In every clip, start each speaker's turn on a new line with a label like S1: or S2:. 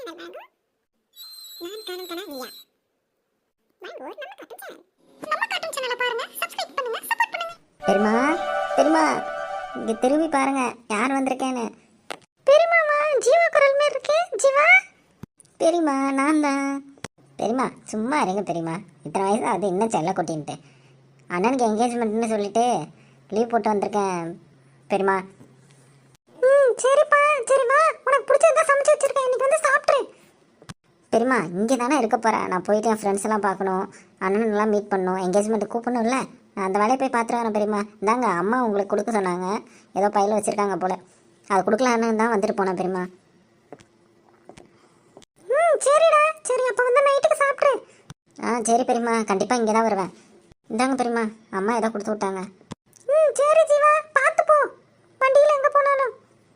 S1: Channel வாங்கு. நான் காணும் கனா நீயா வாங்கு. நம்ம காட்டும் சேனலை பாருங்க, சப்ஸ்கிரைப் பண்ணுங்க, சப்போர்ட் பண்ணுங்க.
S2: பெரியமா பெரியமா இங்க திரும்பி பாருங்க யார் வந்திருக்கேன்னு.
S1: பெரியமாமா ஜீவா குரல் மாதிரி இருக்கு. ஜீவா
S2: பெரியமா நான் தான். பெரியமா சும்மா இருங்க பெரியமா, இத்தனை வயசு அது இன்னும் செல்ல கொட்டின்ட்டு அண்ணனுக்கு என்கேஜ்மெண்ட்னு சொல்லிட்டு லீவ் போட்டு வந்திருக்கேன் பெரியமா.
S1: சரிப்பா சரிம்மா, உனக்கு பிடிச்சதான் சமைச்சு வச்சிருக்கேன், இன்னைக்கு வந்து சாப்பிட்ரு.
S2: பெரியமா இங்கே தானே இருக்க போகிறேன், நான் போயிட்டு என் ஃப்ரெண்ட்ஸ் எல்லாம் பார்க்கணும், அண்ணனெல்லாம் மீட் பண்ணணும், என்கேஜ்மெண்ட்டு கூப்பிடணும்ல, நான் அந்த வேலையை போய் பார்த்துட்டு வரேன் பெரியமா. இந்தாங்க அம்மா உங்களுக்கு கொடுக்க சொன்னாங்க, ஏதோ பையில வச்சுருக்காங்க போல், அது கொடுக்கலான்னு தான் வந்துட்டு போனேன் பெரியமா.
S1: சரிடா சரி, அப்போ வந்து நைட்டுக்கு சாப்பிட்ரு.
S2: சரி பெரியமா, கண்டிப்பாக இங்கே தான் வருவேன். இந்தாங்க பெரியமா, அம்மா ஏதோ கொடுத்து விட்டாங்க.
S1: சரி ஜீவா, பார்த்து போ வண்டியில் எங்கே போனாலும்.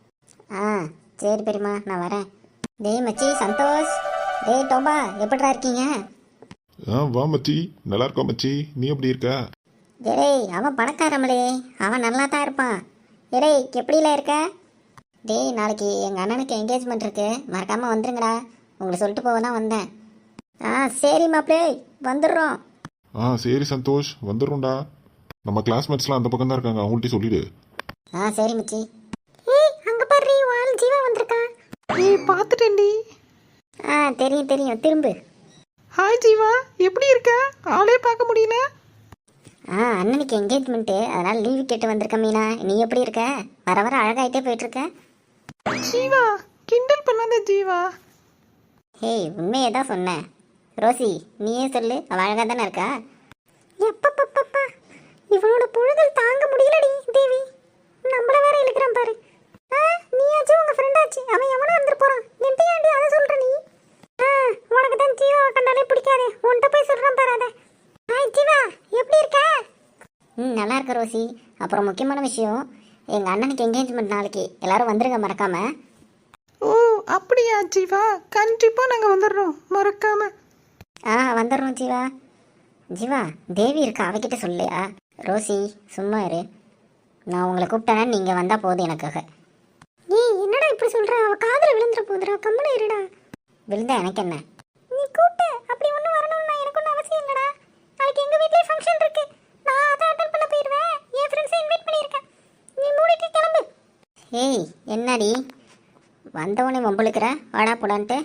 S2: சரி பெரியமா நான் வரேன். டேய் மச்சி சந்தோஷ், டேய் டோபா, எப்படிடா இருக்கீங்க?
S3: வா மச்சி, நல்லா இருக்கா மச்சி, நீ எப்படி இருக்க?
S2: டேய் அவன் பணக்காரமலே, அவன் நல்லா தான் இருப்பான். டேய் எப்படில இருக்க? டேய் நாளைக்கு எங்கள் அண்ணனுக்கு என்கேஜ்மெண்ட் இருக்கு, மறக்காமல் வந்துருங்கடா, உங்களை சொல்லிட்டு போக தான் வந்தேன். சரி மாப்பிளே வந்துடுறோம்.
S3: சரி சந்தோஷ், வந்துடும்டா. நம்ம கிளாஸ்மேட்ஸ்லாம் அந்த பக்கம் தான் இருக்காங்க, அவங்கள்ட்ட சொல்லிடு.
S2: சரி மச்சி.
S1: அங்கே பாரு ஆள் ஜீவா வந்திருக்கான்.
S4: பார்த்துட்டேன்டி.
S2: தெரியும் தெரியும், திரும்பு.
S4: ஹாய் ஜீவா, எப்படி இருக்க? ஆளே பார்க்க முடியல.
S2: அண்ணனுக்கு என்கேஜ்மெண்ட்டு, அதனால் லீவு கேட்டு வந்திருக்க மீனா. நீ எப்படி இருக்க? வர வர அழகாயிட்டே போயிட்டுருக்க.
S4: ஜீவா கிண்டல் பண்ணாத ஜீவா.
S2: ஹேய் உண்மையே தான் சொன்னேன். ரோசி நீயே சொல்லு, அவள் அழகாக தானே இருக்கா?
S1: எப்பப்பப்பப்பா, இவனோட பொழுதல் தாங்க முடியலடி தேவி. நம்மள வேற இழுக்கிறான் பாரு. நீயாச்சும் உங்க ஃப்ரெண்டாச்சு, அவன் எவனா இருந்து போறான், என்கிட்ட ஏன்டி அதை சொல்ற நீ? உனக்கு தான் ஜீவாவை கண்டாலே பிடிக்காதே, உன்கிட்ட போய் சொல்றான் பாரு அதை. ஹாய் ஜீவா, எப்படி இருக்க?
S2: நல்லா இருக்க ரோசி. அப்புறம் முக்கியமான விஷயம், எங்கள் அண்ணனுக்கு என்கேஜ்மெண்ட் நாளைக்கு, எல்லாரும் வந்துருங்க மறக்காம.
S4: ஓ அப்படியா ஜீவா, கண்டிப்பாக நாங்கள் வந்துடுறோம் மறக்காம.
S2: வந்துடுறோம் ஜீவா. ஜீவா தேவி இருக்கா, அவகிட்ட சொல்லையா? ரோசி சும்மா இரு, நான் உங்களை கூப்பிட்டேன்னா நீங்கள் வந்தால் போதும் எனக்காக.
S1: என்னடா இப்படி சொல்ற? அவ காதுல விழுந்துற போதுடா, கம்மன இருடா.
S2: விழுந்தா எனக்கு என்ன?
S1: நீ கூப்பிட்டு அப்படி ஒன்றும் வரணும்னா எனக்கு ஒன்றும் அவசியம் இல்லடா. நாளைக்கு எங்கள் வீட்லேயே ஃபங்க்ஷன் இருக்கு, நான் அதை அட்டன் பண்ண போயிடுவேன். என் ஃப்ரெண்ட்ஸை இன்வைட் பண்ணியிருக்கேன், நீ மூடிட்டு கிளம்பு.
S2: ஏய் என்னடி வந்தவனே வம்பளுக்கிற, வாடா போடான்ட்டு.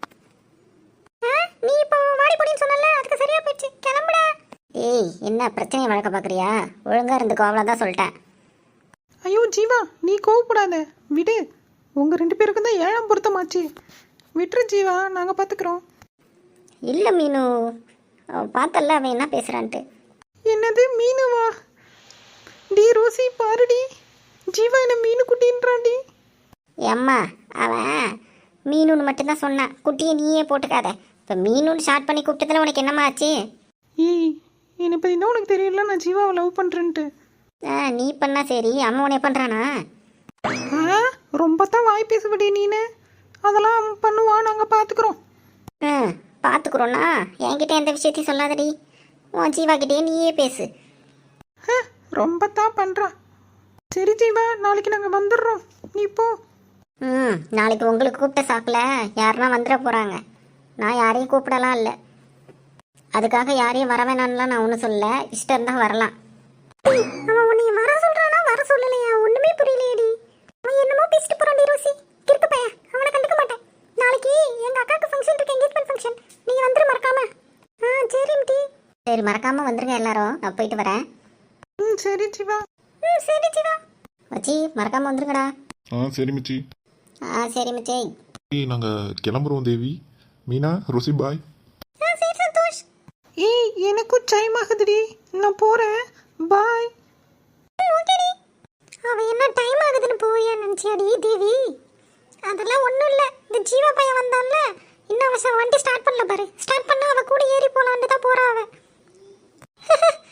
S1: நீ இப்போ வாடி போடின்னு சொன்னல, அதுக்கு சரியா போயிடுச்சு, கிளம்புடா.
S2: ஏய் என்ன பிரச்சனையை வளர்க்க பார்க்குறியா? ஒழுங்காக இருந்துக்கோ, அவ்வளோதான் சொல்லிட்டேன்.
S4: ஐயோ ஜீவா நீ கோவப்படாத, விடு. உங்கள் 2 பேருக்கும் தான் 7ஆம் பொருத்தமாச்சு, விட்டுரு ஜீவா, நாங்கள் பார்த்துக்குறோம்.
S2: இல்லை மீனு, பார்த்தல அவன் என்ன பேசுகிறான்ட்டு.
S4: என்னது மீனுவா? டி ரோசி பாருடி, ஜீவா என்ன மீனு குட்டின்றான்டி.
S2: அம்மா அவன் மீனுன்னு மட்டும்தான் சொன்னான், குட்டியை நீயே போட்டுக்காத. இப்போ மீனுன்னு ஷார்ட் பண்ணி கூப்பிட்டதில் உனக்கு என்னம்மா ஆச்சு?
S4: ஏய் என்னை பற்றி தான் உனக்கு தெரியல, நான் ஜீவாவை லவ் பண்ணுறேன்ட்டு.
S2: நீ பண்ணா சரி, அவன் உன்னை பண்ணுறானா?
S4: ரொம்ப தான் வாய் பேசுபடி நீனு, அதெல்லாம் பண்ணுவா, நாங்கள் பார்த்துக்குறோம்.
S2: பார்த்துக்குறோன்னா என்கிட்ட எந்த விஷயத்தையும் சொல்லாதடி, உன் ஜீவாக்கிட்டே நீயே பேசு.
S4: ரொம்ப தான் பண்ணுறா. சரி ஜீவா, நாளைக்கு நாங்கள் வந்துடுறோம், நீ போ.
S2: நாளைக்கு உங்களுக்கு கூப்பிட்ட சாக்கில் யாருன்னா வந்துட போகிறாங்க, நான் யாரையும் கூப்பிடலாம் இல்லை, அதுக்காக யாரையும் வர வேணான்லாம் நான் ஒன்றும் சொல்ல, இஷ்டம் இருந்தால் வரலாம்.
S1: அவன் உன்னை வர சொல்றானா வர சொல்லலையா, ஒண்ணுமே புரியலையேடி. அவன் என்னமோ பேசிட்டு போறான்டி ரோசி, கிறுக்கு பையன், அவனை கண்டுக்க மாட்டேன். நாளைக்கு எங்க அக்காக்கு ஃபங்க்ஷன் இருக்கு, என்கேஜ்மெண்ட் ஃபங்க்ஷன், நீங்க வந்துரு மறக்காம. சரி மிட்டி.
S2: சரி மறக்காமல் வந்துருங்க எல்லாரும், நான் போயிட்டு வரேன்.
S4: சரி ஜீவா.
S1: சரி ஜீவா.
S2: மச்சி மறக்காமல் வந்துருங்கடா.
S3: சரி மச்சி.
S2: சரி மச்சி.
S3: நாங்கள் கிளம்புறோம் தேவி. மீனா, ரோசி பாய்.
S1: சரி சந்தோஷ்.
S4: ஏய் எனக்கும் டைம் ஆகுதுடி, நான் போகிறேன், பாய்.
S1: ஓகேடி. அவன் என்ன டைம் ஆகுதுன்னு போறியா நினச்சியாடி தேவி? அதெல்லாம் ஒன்றும் இல்லை, இந்த ஜீவா பையன் வந்தான்ல, இன்னும் அவன் வண்டி ஸ்டார்ட் பண்ணல பாரு, ஸ்டார்ட் பண்ணா அவன் கூட ஏறி போலான்னு தான் போறா அவன்.